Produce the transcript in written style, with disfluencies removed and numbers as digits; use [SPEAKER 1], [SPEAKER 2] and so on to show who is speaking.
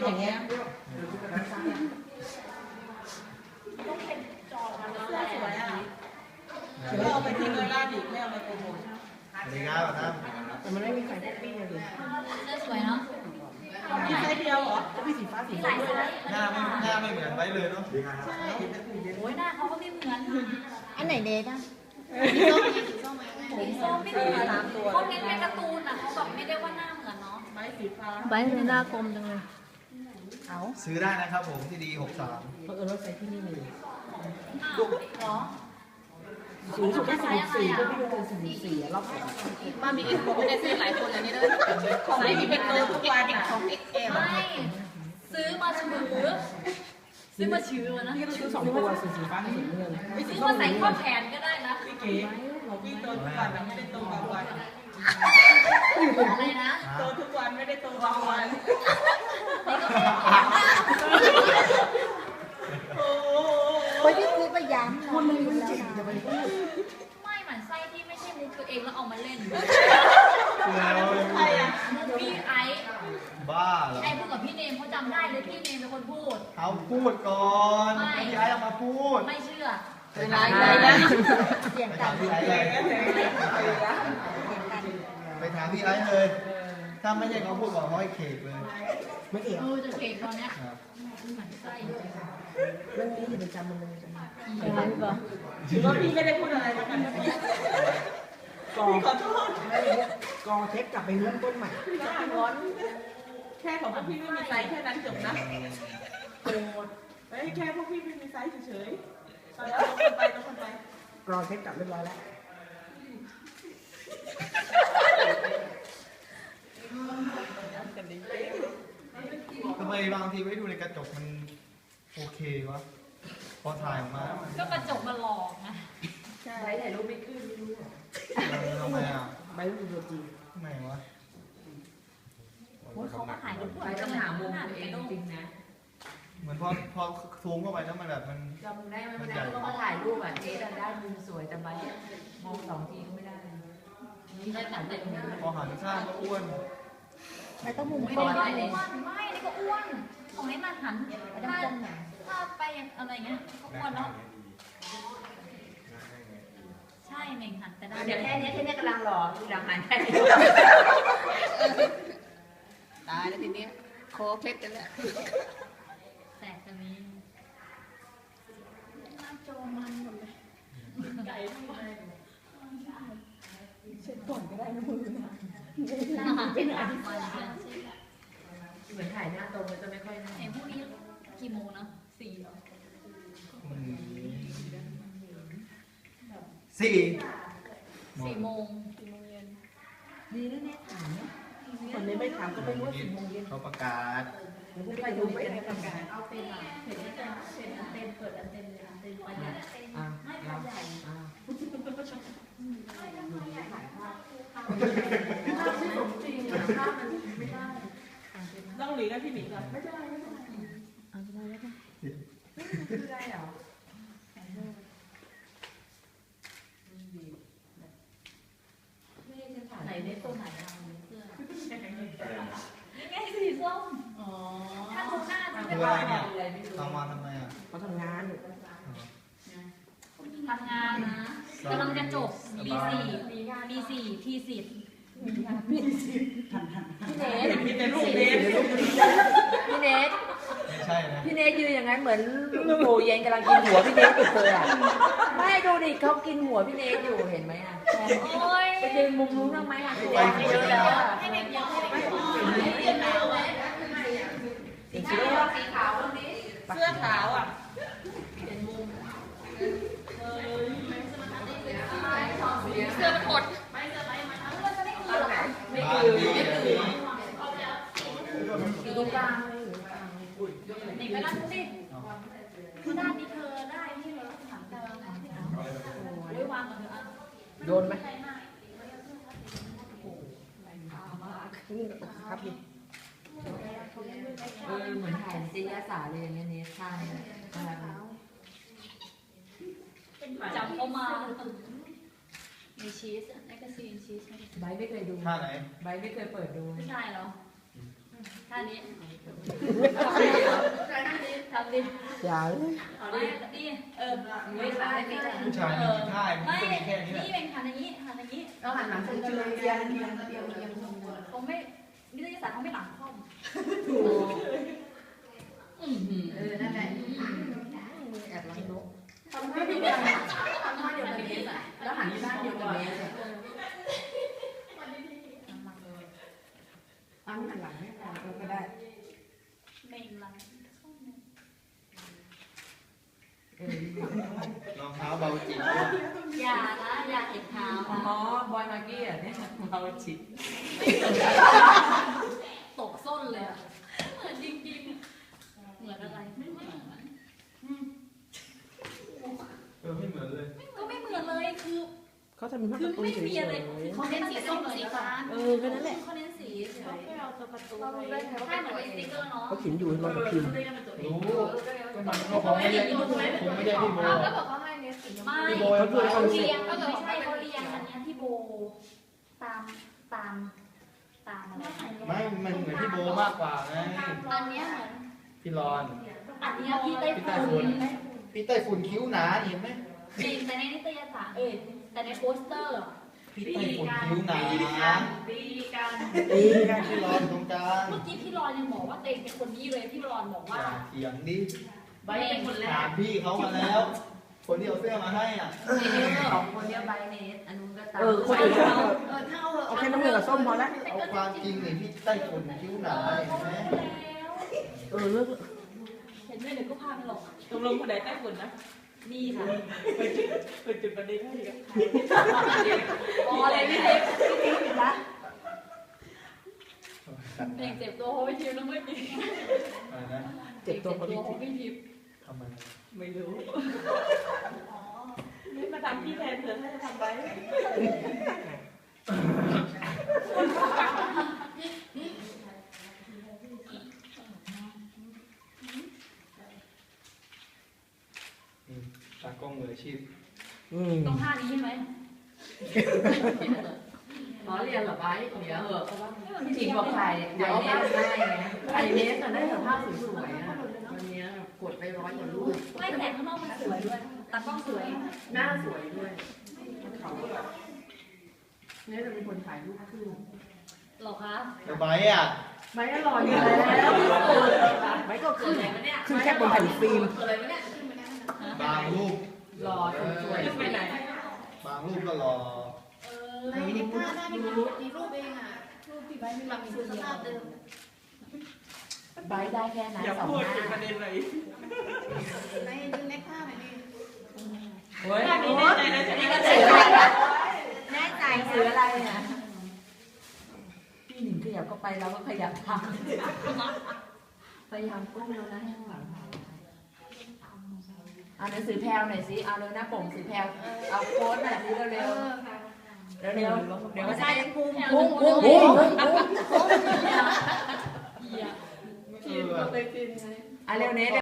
[SPEAKER 1] อย่างเงี้ยสวยอ่ะไม่เอาไปทิ้งเลยล่าดิไม่เอาไปโปรโมท
[SPEAKER 2] สวัสดีครับท่าน
[SPEAKER 1] แต่มันไม่มีใครพกปี้เลยดิ
[SPEAKER 3] เสื้อสวยเนาะ
[SPEAKER 1] มีไซส์เดียวเหรอจะมีสีฟ้าสี
[SPEAKER 3] มีห
[SPEAKER 1] ส้
[SPEAKER 3] ลาม ย
[SPEAKER 1] ด้วย
[SPEAKER 3] ไซ
[SPEAKER 1] นะ
[SPEAKER 3] ส์
[SPEAKER 2] หน้าไม่เหมือนไว้เลยเนาะ
[SPEAKER 1] ใช่
[SPEAKER 3] โอ้ยหน้าเขาก็ไม่เหมือน
[SPEAKER 4] อันไหนเดทอ่ะ
[SPEAKER 3] สีส้มไม่เหมือนเขาเน้นเป็นการ์ตูนอ่ะเขาแบบไม่ได้ว่าหน้าเหมือนเนาะ
[SPEAKER 1] ไม้สีฟ้า
[SPEAKER 4] ใบเลยหน้ากลมจังเลย เอา
[SPEAKER 2] ซื้อได้นะครับผมที่ดี63
[SPEAKER 1] เพราะเออรถไฟที่นี่มี
[SPEAKER 3] อ้าวเหรอ
[SPEAKER 1] สูงสุดแค่44ก็ไม่เกิน44รอบ2บ้านมีเอ็กโปไม่ได้ซื้อหลายคนอันนี้ด้วยของไม่มีเป็นตัวทุกวันอ่ะของเอ็กเอล
[SPEAKER 3] ไม่ซื้อมาชื้อซื้อมาชื้อนะ
[SPEAKER 1] พี่ก็ซื้อ2ตัวสีฟ้ากับสีเงิน
[SPEAKER 3] ซื้อมาใส่ข้อแขนก็ได้นะ
[SPEAKER 1] พี่เก๋พี่โตทุกวันไม่ได้โตบางวัน
[SPEAKER 3] อะไรนะ
[SPEAKER 1] โตทุกวันไม่ได้โตบางวัน
[SPEAKER 3] นี่ก็ข้อแขนนะ
[SPEAKER 1] โอ้
[SPEAKER 4] โอ้ยพี่พูดไปย้ำคนมันจริงจะไปพูด
[SPEAKER 3] ไม่เหมือนไส้ที่ไม่ใช่มุกตัวเองแล้วเอามาเล่น
[SPEAKER 1] ใครอ่ะ
[SPEAKER 3] มุกพี่ไอซ์
[SPEAKER 2] บ้าเหรอ
[SPEAKER 3] ไอซ์พูดกับพี่เนมเขาจำได้เลยพี่เนมเป็นคนพูด
[SPEAKER 2] เขาพูดก่อนพี่ไอ้เอามาพูด
[SPEAKER 3] ไม่เชื่อ
[SPEAKER 1] เวลาไหนนะ
[SPEAKER 4] เสียง
[SPEAKER 2] ไป
[SPEAKER 4] ต่
[SPEAKER 2] ถามพี่ไอ้เลยไปถามพี่ไอ้เลย ถ้าไม่ใช่เขาพูดบอกเขาให้เขกเลย
[SPEAKER 1] ไม่เกี่ยว
[SPEAKER 3] จะเก่งตอนเนี้ย
[SPEAKER 2] ครับ
[SPEAKER 3] เหมือนไส้
[SPEAKER 1] เรื่องนี้อยู่ประจำมันเลย
[SPEAKER 4] อะไรพี่บอก
[SPEAKER 1] ถือว่าพี่ไม่ได้พูดอะไรนะพี่กองขอโทษกองเทคกลับไปเริ่มต้นใหม่ร้อนแค่ของพวกพี่ไม่มีไซส์แค่นั้นจบนะโกรธเฮ้ยแค่พวกพี่ไม่มีไซส์เฉยๆตอนนี้ต้องคนไปกรองเทคกลับเรียบร้อยแล้ว
[SPEAKER 2] ทำไมบางทีไว้ดูในกระจกมันโอเควะ พอถ่ายออกมาแล้วมัน
[SPEAKER 3] ก็กระจกมาหลอกนะ
[SPEAKER 1] ใช่ถ่ายรูปไม่ขึ้นไม่รู้
[SPEAKER 2] ทำไมอ่ะ
[SPEAKER 1] ใบรูปตัวจริง
[SPEAKER 2] ทำไมวะ
[SPEAKER 3] โอ้ยเขามาถ่ายรูป
[SPEAKER 5] ไปต้องหามุมตัวเองจริงนะ
[SPEAKER 2] เหมือนพอซูมเข้าไปแล้วมันแบบมัน
[SPEAKER 5] จำได้ไหมวันนั้นก็มาถ่ายรูปอ่ะเจ๊ได้มุมสวยแต่ใบมอง2 ทีก็ไม่ได้นี่ได้ถ่ายรูปไม่ได้
[SPEAKER 2] พอหันข้างก็อ้วน
[SPEAKER 4] ไม่ต้องมุม
[SPEAKER 3] ไม่
[SPEAKER 4] ก่
[SPEAKER 3] ได้
[SPEAKER 4] อน
[SPEAKER 3] ก็อ้วนไม่นี่ก็อ้วนของนี้มาหัน
[SPEAKER 4] ไม่ต้องก้มหนา
[SPEAKER 3] ถ้าไปอะไรเงี้ยก็อ้วนแล้วใช่เหม่งหันแต่ได้
[SPEAKER 5] เดี๋ยวแค่นี้กำลังรอทีหลังหันแค่นี้
[SPEAKER 1] ตายแล้วทีนี้โคเคล็ดกันแล้ว
[SPEAKER 3] แสกตรงนี้หน้าจอมันหมดเลยไก่ทั้งหมด
[SPEAKER 1] เช็ดก่อนก็ได้นะมือนะ
[SPEAKER 3] หน้าหันเป็นอะไรมาใช่
[SPEAKER 5] เหมือนถ่ายหน้าตรงแล้วจะไม่ค่อยน่า
[SPEAKER 3] เอ็มพรุ่งนี้กี่โมงนะ4 เหรอ
[SPEAKER 2] สี่
[SPEAKER 3] 4 โมง
[SPEAKER 5] ดีนะเนี่ยถ่ายเนี่ย
[SPEAKER 1] คนนี้ไม่ถามก็ไม่รู้ว่า4 โมงเย็น
[SPEAKER 2] เขาประกาศ
[SPEAKER 1] ไปดูไม่ได้ประกาศ
[SPEAKER 3] เอาเป็นอ่ะเห็นแต่เป็นอันเต็มเปิดอันเต็มเลยอันเต็มไปเนี่ยไม่พอใหญ่
[SPEAKER 1] ต้องหลีกให้พี่หมีก่อนไม่เป็นไร
[SPEAKER 4] เอาไปแล้วกัน
[SPEAKER 5] คืออะไรเหรอ ไม่ได้จะถ่าย
[SPEAKER 3] ไหนได้ตัวไหนเอาเสื้อนี่ไงสีส้ม
[SPEAKER 1] อ๋อ
[SPEAKER 3] ถ้าดูหน้าจะ
[SPEAKER 2] คื
[SPEAKER 3] เป็น
[SPEAKER 2] ออะไรเนี่ย
[SPEAKER 5] อะไรไม่รู้
[SPEAKER 2] ทำมาทำไมอ่ะ
[SPEAKER 1] เขาทำงาน
[SPEAKER 3] ทำงานนะกำลังจะจบปี4ทีสิทธิ์
[SPEAKER 5] พี่เนท
[SPEAKER 1] มีแต่รูปเบส
[SPEAKER 5] พี่เนท
[SPEAKER 2] ไม่ใช่นะ
[SPEAKER 5] พี่เนทยืนอย่างนั้นเหมือนโบเย็นกำลังกินหัวพี่เนทอยู่เลยอ่ะไม่ดูดิเขากินหัวพี่เนทอยู่เห็นไหมอ่ะ
[SPEAKER 3] โอ้ย
[SPEAKER 5] ไปยืนมุมนู้นทำไมอ่ะแดงเยอะแล้วอ่ะ
[SPEAKER 3] ให้เด็กยังให้เด็กยัง
[SPEAKER 5] สีขาวสีขาวตรงนี้
[SPEAKER 1] เสื้อขาวอ่ะ
[SPEAKER 3] เสื้อมันอด
[SPEAKER 5] ไม่คือ
[SPEAKER 2] บ้านพี่
[SPEAKER 5] อยู่ตรงกลางเลย
[SPEAKER 3] เด็กไปนั่งสิคือด้านนี้เธอได้ที่เราถามเธอโอ้ยวางกับเธออ่ะ
[SPEAKER 1] โดนไหมครับพี่
[SPEAKER 5] เหมือนถ่ายจิยาสาเลยอย่างเงี้ยเนทท่าเนี่ย
[SPEAKER 3] จับเข้ามามีชีสแมกกาซีนชีส
[SPEAKER 5] ไบไม่เคยดู
[SPEAKER 2] ท่าไหน
[SPEAKER 5] ไบไม่เคยเปิดดู
[SPEAKER 3] ผู้ชายเหรอท่านี้ ทำดิ
[SPEAKER 1] อย่าเลย
[SPEAKER 3] เอาดิดิไม่ใช่ไม่ใช่
[SPEAKER 2] ผู้ชายมีกี่ท่ามัน
[SPEAKER 3] ไม่
[SPEAKER 2] ก็มีแค่นี้แหละ
[SPEAKER 3] นี่เป็นหันอย่างนี้หันอย่างนี้
[SPEAKER 5] เราหันหลังชนกันเลยเอียงเอียงเอียงเอียง
[SPEAKER 3] เขาไม่นิตยสารเขาไม่หลังคอม
[SPEAKER 5] นั่นแหละ
[SPEAKER 4] แอบรักนก
[SPEAKER 5] ทำท่าเดียวกันทำท่าเดียวกันเบสอ่ะแล้วหันที่ด้านเดียวกันเบสอ่ะอันหันหลังให้ก่อนก็ได้
[SPEAKER 3] ไม่หลัง
[SPEAKER 2] รองเท้าเบาจริง
[SPEAKER 3] อย่านะอย่าเห็นเท้า
[SPEAKER 5] อ๋อบอยมากี้อ่ะเนี่ยเราจิต
[SPEAKER 3] ตกส้นเลยอ่ะเหมือนจริงๆเหมือนอะไรไม่เหมือน
[SPEAKER 2] ไม่เหมือนเลย
[SPEAKER 3] ก็ไม่เหมือนเลยคือ
[SPEAKER 1] เขาทำเป็นภาพ
[SPEAKER 3] คื
[SPEAKER 1] กา
[SPEAKER 3] อ
[SPEAKER 1] ร์ตูน
[SPEAKER 3] ไม่
[SPEAKER 1] เฉ
[SPEAKER 3] มีอะไร
[SPEAKER 1] ย
[SPEAKER 3] เขาเน้นสีส้มสีฟ้า
[SPEAKER 1] แค่นั้นแหละ
[SPEAKER 3] เขาเน้นสีเฉย
[SPEAKER 5] เอาตัวประตู
[SPEAKER 3] ถ้าเหมือนเป็นสติ๊กเกอร์เนาะ
[SPEAKER 1] เขาเขียนอยู่ให้มันกับพิมพ์
[SPEAKER 2] รู้ก็มันก็คงไม่ได้คงไม่ได้พี่โบ
[SPEAKER 3] ก็บอกเขาให้เน้นสีไม่
[SPEAKER 2] พี่โบ
[SPEAKER 1] เขาพูดให้
[SPEAKER 3] เขา
[SPEAKER 1] เขารู้สึก
[SPEAKER 3] เรียงก็ไม่ใช่เขาเรียงอันเนี้ยที่โบตามอะไร
[SPEAKER 2] ไม่มันเหมือนพี่โบมากกว่าไง
[SPEAKER 3] อันเนี้ยเหมือน
[SPEAKER 2] พี่รอน
[SPEAKER 3] อันเนี้ยพี่ไต้ฝุ่น
[SPEAKER 2] พี่ไต้ฝุ่นคิ้วหนาเห็นไหม
[SPEAKER 3] จริงแต่ในนิตยสารแต่ในโปสเตอร์
[SPEAKER 2] พี่ไต้ฝุ่นคิ้วหนา
[SPEAKER 5] ตีกัน
[SPEAKER 2] พี่รอนตรงกลาง
[SPEAKER 3] เมื่อกี้พี่รอนยังบอกว่าตัวเองเป็นคนนี้เลยพี่รอนบอก
[SPEAKER 2] อ
[SPEAKER 3] ว่า
[SPEAKER 2] ย่าเถียงดิ
[SPEAKER 5] ใบเป็นคนแร
[SPEAKER 2] ถาก มพี่เขามาแล้ว คนที่เอาเสื้อมาให้อ่ะ
[SPEAKER 5] สองคนเนี้ยใบเนสอันนู้นก็ตาม
[SPEAKER 1] คนอื่นเขา
[SPEAKER 5] เท่า
[SPEAKER 1] เอาแค่น้ำเงินกับส้มพอแล้ว
[SPEAKER 2] เอาความจริงเลยพี่ไต้ฝุ่นคิ้วหนาเห็นไหม
[SPEAKER 1] เลิก
[SPEAKER 3] เห็นไหมเดี๋ยวก็พาไปหรอก
[SPEAKER 1] ตกลงคนไหนใต้ฝุ่นนะ
[SPEAKER 3] นี่ค่ะ
[SPEAKER 1] เป็นจุดประเด็นให้กัน
[SPEAKER 3] พอเลยพี่เล็ก
[SPEAKER 4] ผิดละ
[SPEAKER 3] เด็กเจ็บตัวเพราะไม่ทิพย์แล้วไม่มี
[SPEAKER 2] อะไรนะ
[SPEAKER 1] เจ็บตัว
[SPEAKER 3] เพ
[SPEAKER 1] เขา
[SPEAKER 3] ราะ
[SPEAKER 1] ดิ
[SPEAKER 3] ไม่ทิพย์
[SPEAKER 2] ทำไม
[SPEAKER 1] ไม่รู้ไม่มาทำพี่แทนเถอะถ้าจะทำไป
[SPEAKER 2] ตากล้องมืออาชีพ
[SPEAKER 3] ต้องท่านี้ใช่ไหม
[SPEAKER 5] ขอเรียนเหรอใบเดี๋ยวเหอะพี่จริงบอกถ่ายเนสได้ไงถ่ายเนสแต่ได้แต่ภาพสวยๆนะวันนี้กดไป100 กว่ารูป
[SPEAKER 3] ไม่แต่ข้างนอกมันสวยด้วยตากล้องสวย
[SPEAKER 5] หน้าสวยด้วยเนี่ยจะเป็นคนถ่ายรูปคู่
[SPEAKER 3] หรอคะ
[SPEAKER 2] แล้วไบอ่ะ
[SPEAKER 5] ไม่อร่อยอยู่แล้ว
[SPEAKER 1] ไม่ก็
[SPEAKER 3] คือไหนวะเนี่ย
[SPEAKER 1] ขึ้นแค่บนแผ่นฟิล์ม
[SPEAKER 3] อะไรวะเนี่ย
[SPEAKER 2] บางรูป
[SPEAKER 5] หล่อสวย
[SPEAKER 1] ไปไหน
[SPEAKER 2] บางรูปก็รอ
[SPEAKER 3] มีรูปเองอ่ะรูปที่ใบไม่รับคือสภาพเดิม
[SPEAKER 5] ใบได้แค่นั้น
[SPEAKER 1] อย่า
[SPEAKER 5] สอง
[SPEAKER 1] พูด
[SPEAKER 5] ห
[SPEAKER 1] ถึงป
[SPEAKER 5] น้า
[SPEAKER 1] ระเด็นเลย
[SPEAKER 3] ในดึงเล็กผ้าหน่อยดิ
[SPEAKER 5] โอ้ย
[SPEAKER 1] อันนี้แน่ใจนะใช่ไหมก็
[SPEAKER 4] แน่ใจ
[SPEAKER 5] ซื้ออะไรนะพี่หนิงขยับก็ไปเราก็ขยับทำพยายามก้มแล้วนะให้ข้างหลังเอาหนังสือแพลวหน่อยสิเอาเลยหน้าปกสือแพลวเอาโค้ดหน่อยสิเร็วๆเร็วๆเดี๋ยวมันจะได้พุ่ง
[SPEAKER 1] พุ่ง
[SPEAKER 5] อ่ะเร็วเนส